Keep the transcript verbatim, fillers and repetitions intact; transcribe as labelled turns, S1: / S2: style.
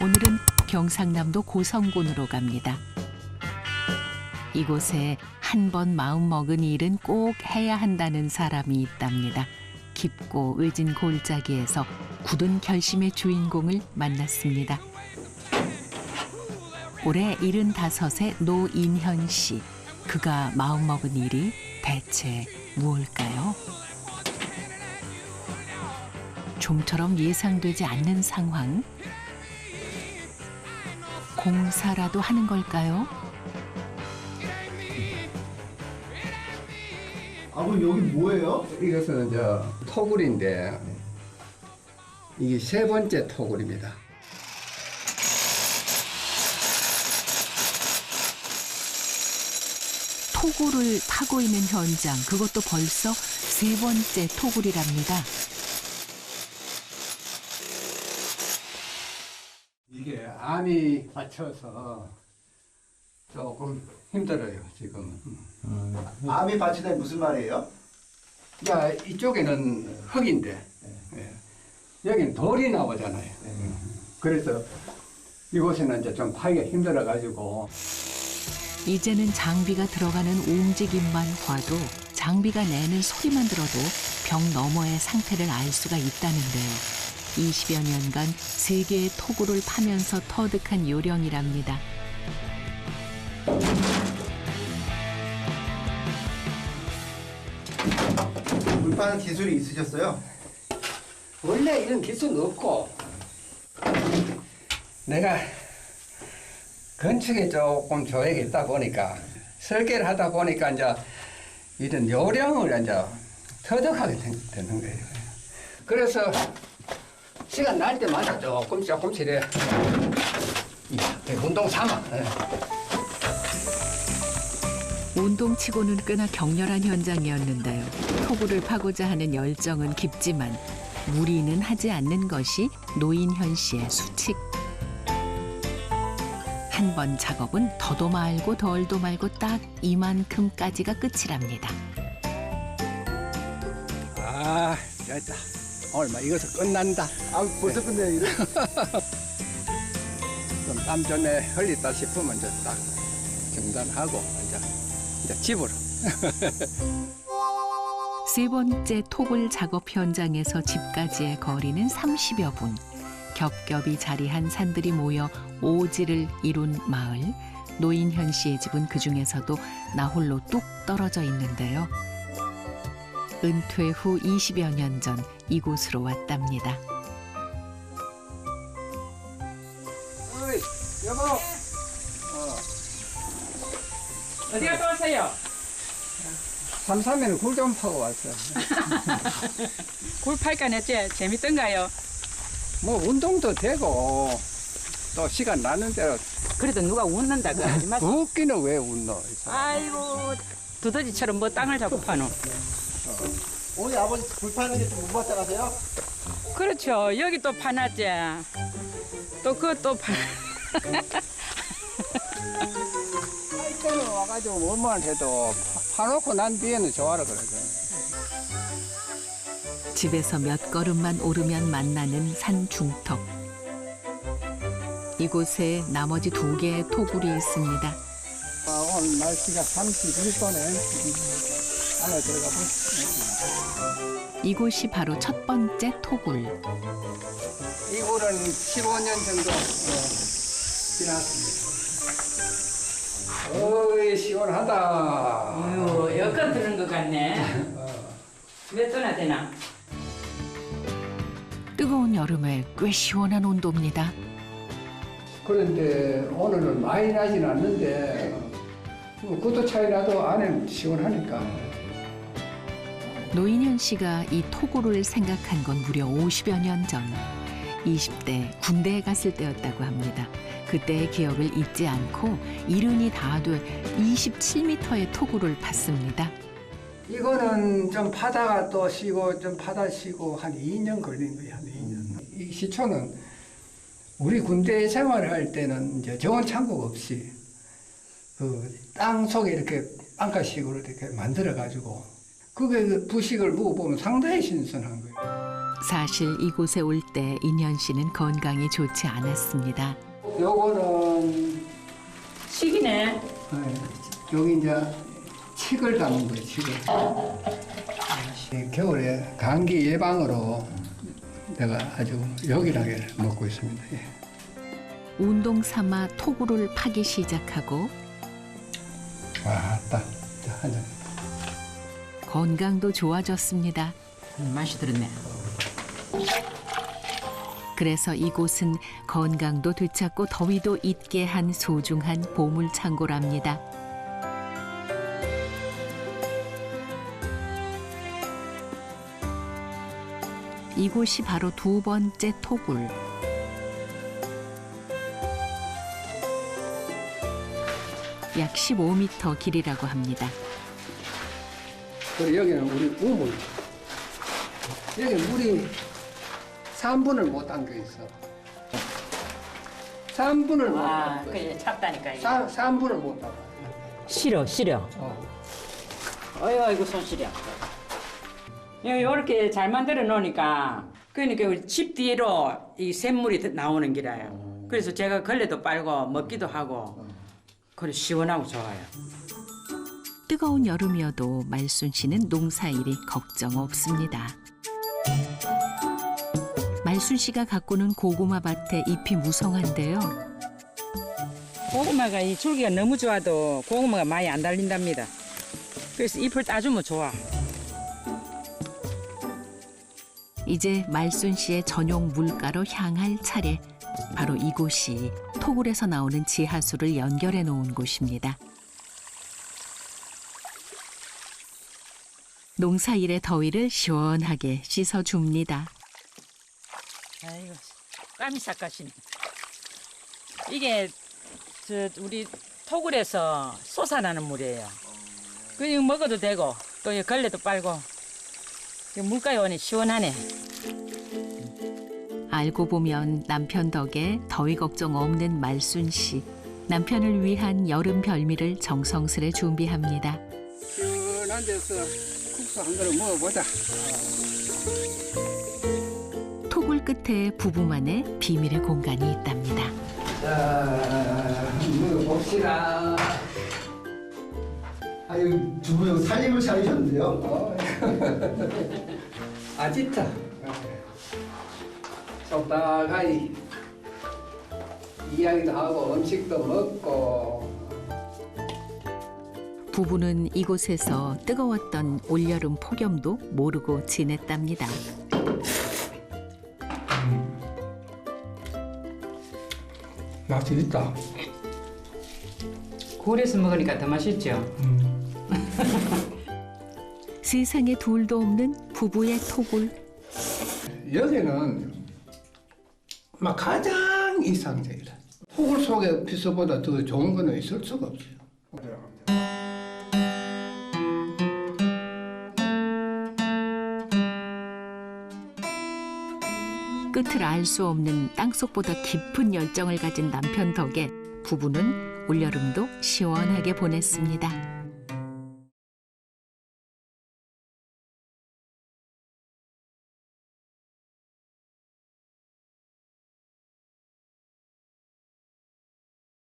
S1: 오늘은 경상남도 고성군으로 갑니다. 이곳에 한 번 마음먹은 일은 꼭 해야 한다는 사람이 있답니다. 깊고 의진 골짜기에서 굳은 결심의 주인공을 만났습니다. 올해 일흔다섯의 노인현 씨. 그가 마음먹은 일이 대체 무엇일까요? 좀처럼 예상되지 않는 상황. 공사라도 하는 걸까요?
S2: 아버님 여기 뭐예요?
S3: 이것은 저 토굴인데 이게 세 번째 토굴입니다.
S1: 토굴을 파고 있는 현장, 그것도 벌써 세 번째 토굴이랍니다.
S3: 이게 암이 받쳐서 조금 힘들어요 지금은.
S2: 암이 받치다니 무슨 말이에요?
S3: 야 이쪽에는 흙인데 예. 여기는 돌이 나오잖아요. 그래서 이곳에는 이제 좀 파기가 힘들어 가지고.
S1: 이제는 장비가 들어가는 움직임만 봐도 장비가 내는 소리만 들어도 벽 너머의 상태를 알 수가 있다는데요. 이십여 년간 세 개의 토굴을 파면서 터득한 요령이랍니다.
S2: 물 파는 기술이 있으셨어요?
S3: 원래 이런 기술은 없고 내가 건축에 조금 조예가 있다 보니까 설계를 하다 보니까 이제 이런 요령을 이제 터득하게 된- 되는 거예요. 그래서 시간 날 때마다 조금 조금씩 이래 운동 삼아. 예.
S1: 운동치고는 꽤나 격렬한 현장이었는데요. 토굴을 파고자 하는 열정은 깊지만 무리는 하지 않는 것이 노인현 씨의 수칙. 한 번 작업은 더도 말고 덜도 말고 딱 이만큼까지가 끝이랍니다.
S3: 아, 됐다. 오늘 막 이것은 끝난다.
S2: 아 벌써 끝내요 이래?
S3: 좀 땀 전에 흘렸다 싶으면 이제 딱 중단하고 이제 이제 집으로.
S1: 세 번째 토굴 작업 현장에서 집까지의 거리는 삼십여 분. 겹겹이 자리한 산들이 모여 오지를 이룬 마을. 노인현 씨의 집은 그중에서도 나홀로 뚝 떨어져 있는데요. 은퇴 후 이십여 년 전 이곳으로 왔답니다.
S3: 어이, 여보. 어,
S4: 어디 갔다 왔어요?
S3: 삼삼에는 굴 좀 파고 왔어.
S4: 굴 팔까 냈지? 재밌던가요?
S3: 뭐 운동도 되고 또 시간 나는 대로.
S4: 그래도 누가 웃는다 그 하지 마세요.
S3: 웃기는 왜 웃노? 이 사람.
S4: 아이고 두더지처럼 뭐 땅을 잡고 파노.
S2: 오늘 아버지 불 파는 게 좀 무겁다 가세요?
S4: 그렇죠. 여기 또 파놨지. 또 그것도 파.
S3: 할 때는 와가지고 뭐만 해도 파- 파놓고 난 뒤에는 좋아라 그러죠.
S1: 집에서 몇 걸음만 오르면 만나는 산 중턱. 이곳에 나머지 두 개의 토굴이 있습니다.
S3: 아, 오늘 날씨가 삼십일 도네. 안에 들어가 보.
S1: 이곳이 바로 첫 번째 토굴.
S3: 이 굴은 십오 년 정도 어, 지났습니다. 어이 시원하다.
S4: 아유 여건 드는 것 같네. 몇 도나 되나?
S1: 뜨거운 여름에 꽤 시원한 온도입니다.
S3: 그런데 오늘은 많이 나진 않는데 뭐 구도 차이 나도 안에는 시원하니까.
S1: 노인현 씨가 이 토굴을 생각한 건 무려 오십여 년 전. 이십 대 군대에 갔을 때였다고 합니다. 그때의 기억을 잊지 않고 이른이 다 돼 이십칠 미터의 토굴을 팠습니다.
S3: 이거는 좀 파다가 또 쉬고 좀 파다 쉬고 한 이 년 걸린 거예요. 한 이 년. 이 시초는 우리 군대 생활할 때는 이제 정원 창고 없이 그 땅 속에 이렇게 빵가식으로 이렇게 만들어 가지고 그게 그 부식을 먹어보면 상당히 신선한 거예요.
S1: 사실 이곳에 올 때 인현 씨는 건강이 좋지 않았습니다.
S3: 요거는
S4: 식이네.
S3: 네, 여기 이제 칡을 담은 거예요. 칡을. 이 겨울에 감기 예방으로 내가 아주 요긴하게 먹고 있습니다. 예.
S1: 운동 삼아 토구를 파기 시작하고
S3: 와, 딱 한 잔.
S1: 건강도 좋아졌습니다.
S4: 음, 맛이 들었네.
S1: 그래서 이곳은 건강도 되찾고 더위도 잊게 한 소중한 보물 창고랍니다. 이곳이 바로 두 번째 토굴. 약 십오 미터 길이라고 합니다.
S3: 그리고 여기는 우리 우물. 여기 물이 삼 분을 못 담겨 있어. 삼 분을 못
S4: 아,
S3: 담겨.
S4: 그게 찹다니까 이게.
S3: 삼, 삼 분을 못 담아.
S4: 싫어, 싫어.
S3: 어.
S4: 어이, 아이고 손 시려. 이렇게 잘 만들어 놓으니까 그러니까 우리 집 뒤로 이 샘물이 나오는 기라요. 그래서 제가 걸레도 빨고 먹기도 하고 그래 시원하고 좋아요.
S1: 뜨거운 여름이어도 말순 씨는 농사일이 걱정 없습니다. 말순 씨가 가꾸는 고구마 밭에 잎이 무성한데요.
S4: 고구마가 이 줄기가 너무 좋아도 고구마가 많이 안 달린답니다. 그래서 잎을 따주면 좋아.
S1: 이제 말순 씨의 전용 물가로 향할 차례. 바로 이곳이 토굴에서 나오는 지하수를 연결해 놓은 곳입니다. 농사일의 더위를 시원하게 씻어줍니다.
S4: 아이고 깜이 삭가시네. 이게 저 우리 토굴에서 솟아나는 물이에요. 그 이거 먹어도 되고 또 이 걸레도 빨고 물가에 오니 시원하네.
S1: 알고 보면 남편 덕에 더위 걱정 없는 말순 씨. 남편을 위한 여름 별미를 정성스레 준비합니다.
S3: 시원한 데서 국수 한 그릇 먹어보자.
S1: 토굴 끝에 부부만의 비밀의 공간이 있답니다.
S3: 자, 먹어봅시다.
S2: 아유, 두 분 살림을 차리셨는데요?
S3: 어. 아지타. 적당하게 이야기도 하고 음식도 먹고.
S1: 부부는 이곳에서 뜨거웠던 올여름 폭염도 모르고 지냈답니다.
S3: 맛이 있다.
S4: 굴에서 먹으니까 더 맛있죠.
S1: 세상에 둘도 없는 부부의 토굴.
S3: 여기는 막 가장 이상적이다. 토굴 속의 피서보다 더 좋은 거는 있을 수가 없어요.
S1: 끝을 알 수 없는 땅속보다 깊은 열정을 가진 남편 덕에 부부는 올여름도 시원하게 보냈습니다.